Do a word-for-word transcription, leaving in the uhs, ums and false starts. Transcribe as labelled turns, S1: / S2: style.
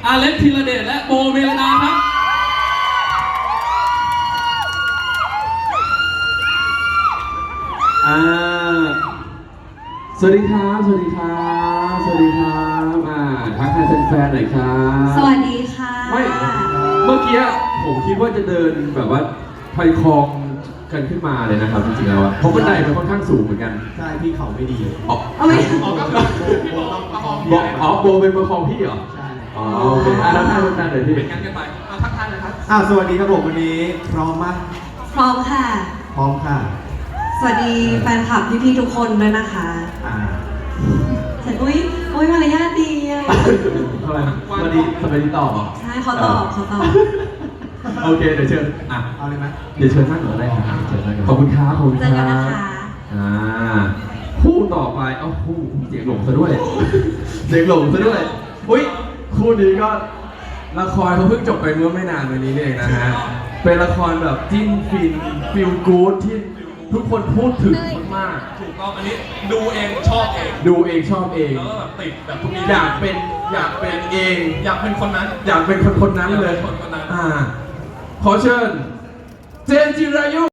S1: อาเล็กธีรเดชและโบเมลดาครับ
S2: อ่าสวัสดีครับสวัสดีครับสวัสดีครับอ่าทักทายแฟนๆหน่อยครับ
S3: สวัสดีค่ะ
S2: ไม่เมื่อกี้ผมคิดว่าจะเดินแบบว่าไฟคลองกันขึ้นมาเลยนะครับจริงๆแล้วอะเพราะบันไดมันค่อนข้างสูงเหมือนกัน
S4: ใช่พี่เขาไม่ดี
S2: อ๋อ
S3: เอาไม่
S4: อ๋อก็คือพี่บอกต้องประคองพี่
S2: บอกอ๋อโบเป็นประคองพี่เหรอ
S4: ใช่
S2: อ๋อโอเคอ่ะแล้วท่านท่านหน่อยพี่
S1: เป็นกันกันไปเอาทักทายเลยครับ
S4: อ่าสวัสดีครับผมวันนี้พร้อมมาก
S3: พร้อมค่ะ
S4: พร้อมค่ะ
S3: สวัสดีแฟนคลับพี่ๆทุกคนด้วยนะคะ
S4: อ่า
S3: แต่อุ้ยอุ้ยมารยาทดีอะ
S2: ทำไมสวัสดีสวัสดีตอบเหรอ
S3: ใช่เขาตอบเขาตอบ
S2: โอเคเดี๋ยวเชิญอ่ะ
S4: เอาเลยไหม
S2: เดี๋ยวเชิญนั่งก่อนได้ครับเชิญนั่งก่อนขอบคุณครับขอบคุณ
S3: เจ
S2: ค
S3: อ
S2: รั
S3: กันนะ
S2: บ
S3: คะ
S2: อ่าคู่ต่อไปเอ้าคู่เสียงหลงซะด้วยเสียงหลงซะด้วยอุ้ยคู่นี้ก็ละครเขาเพิ่งจบไปเมื่อไม่นานวันนี้เองนะฮะเป็นละครแบบจิ้นฟินฟิลกู๊ดที่ทุกคนพูดถึงมาก
S1: ถูกต้องอันนี้ดูเองชอบเอง
S2: ๆดูเองชอบเอง
S1: แล้วก็แบบติดแบบทุกนี้
S2: อยากเป็นอยากเป็นเอง
S1: อยากเป็นคนนั้น
S2: อยากเป็นคนคนนั้นเลย
S1: อยากเป็นคนคนนั้น
S2: อ่าขอเชิญเจนจิรายุ